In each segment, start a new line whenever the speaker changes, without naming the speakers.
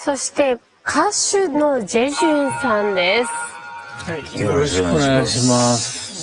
そして歌手のジェジュンさんです。
はい、よろしくお願いします。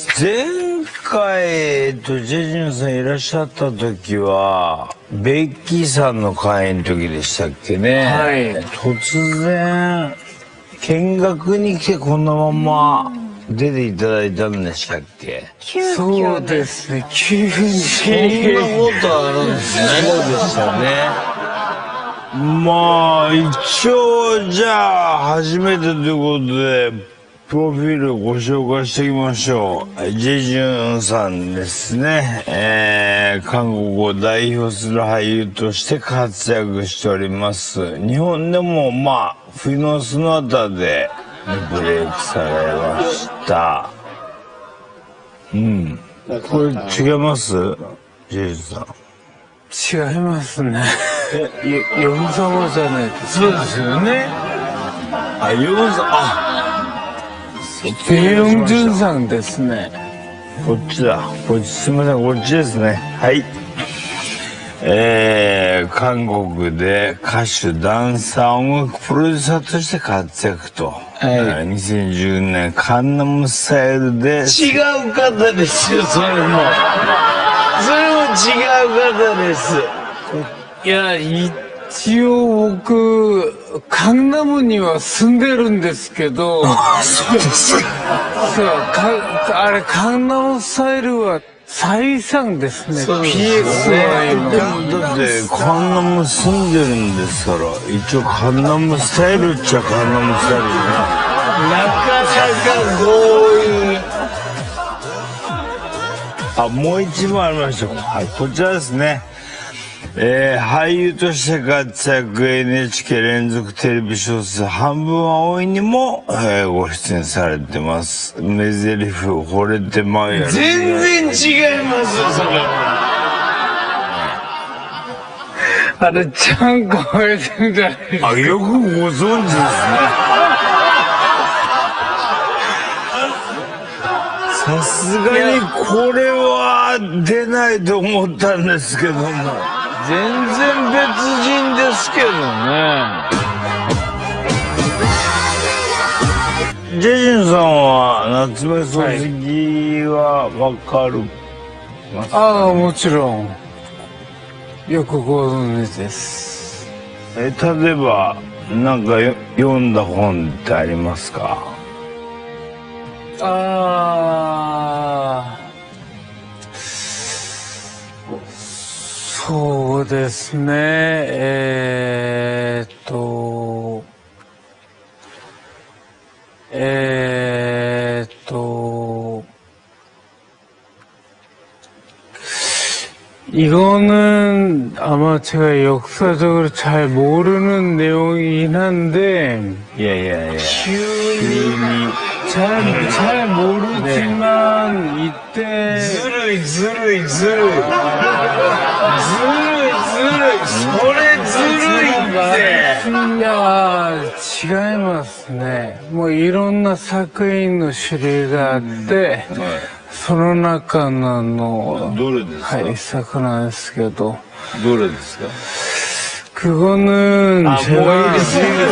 前回、ジェジュンさんいらっしゃった時は、ベッキーさんの会の時でしたっけね。
はい。
突然、見学に来てこのまま出ていただいたんでしたっけ。
そうですね、急に。そ
んなことあるんですね。そうでしたね。まあ、一応、じゃあ、初めてということで、プロフィールをご紹介していきましょう。ジェジュンさんですね。韓国を代表する俳優として活躍しております。日本でも、まあ、冬のその他でブレイクされました。うん。これ違います？ジェジュンさん。
違いますね。ヨン様じゃないですか。
そうですよね。あ、ヨンさん、
ペヨンジュンさんですね。
こっちだ。こっち、すみません、こっちですね。はい。韓国で歌手、ダンサー、音楽プロデューサーとして活躍と。
はい。
2010年、カンナムスタイルで。違う方ですよ、それも。それも違う方です。
いや、一応僕、カンナムには住んでるんですけど。
そうですか。
そう、あれ、カンナムスタイルは再三ですね。
そうですね。だって、カンナム住んでるんですから、一応カンナムスタイルっちゃカンナムスタイルね。なかなか強引。あ、もう一問ありました。はい、こちらですね。俳優として活躍、NHK 連続テレビ小説半分は多いにも、ご出演されてます。メゼリフ惚れてまうやろ。全然違いますよ、それ。
あれ、ちゃんこ惚れてるじゃないですか。
あ、よくご存知ですね。さすがにこれは出ないと思ったんですけども。全然別人ですけどね。ジェジュンさんは夏目漱石はわかるますか？
ああ、もちろん。よくご存知です。
例えば、なんか読んだ本ってありますか？
そうですね。이거는 아마 제가 역사적으로 잘 모르는 내용이긴 한데,
예.
잘 모르지만, 이때.
ずるい。それずるいって。
いや、違いますね。もういろんな作品の種類があって、その中の
どれですか？
はい、一作なんですけど。
どれですか？
그거는 제가
뭐 이래,ずるい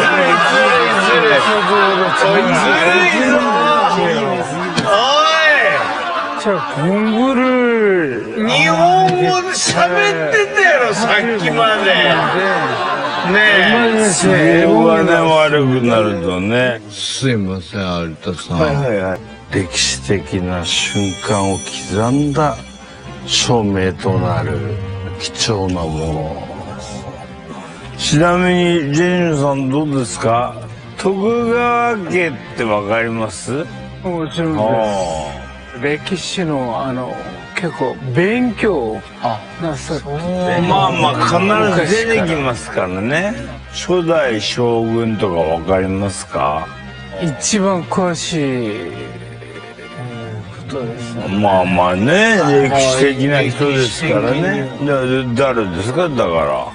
제가 공부를
일본어를 喋ってたやろ、さっきまで。ねえ、英語がね、悪くなるとね。すいません、有田さん。はい。歴史的な瞬間を刻んだ証明となる貴重なもの。ちなみに、ジェニーさんどうですか？徳川家ってわかります？
もちろんです。歴史の結構勉強なさって
まあ必ず出てきますからね。初代将軍とかわかりますか？
一番詳しいことですね。
まあね、歴史的な人ですからね。誰ですか？だから。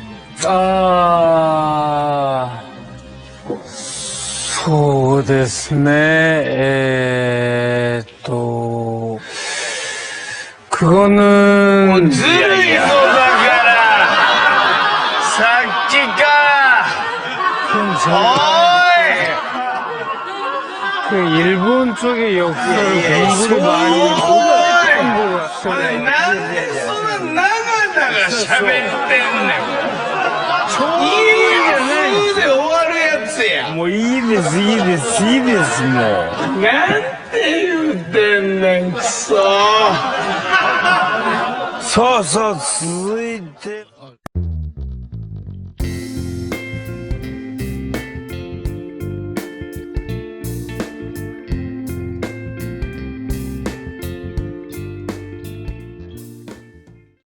そうですね。그거는
ずるいぞだからさっきか
그 일본 쪽의 역사를 공부를 많이 했고,
なんでそんな長々喋ってんねん。いいやん、普通で終わるやつや。もういいです、いいです、いいです、もう。なんて言うてんねん、くそ。そうそう、続いて。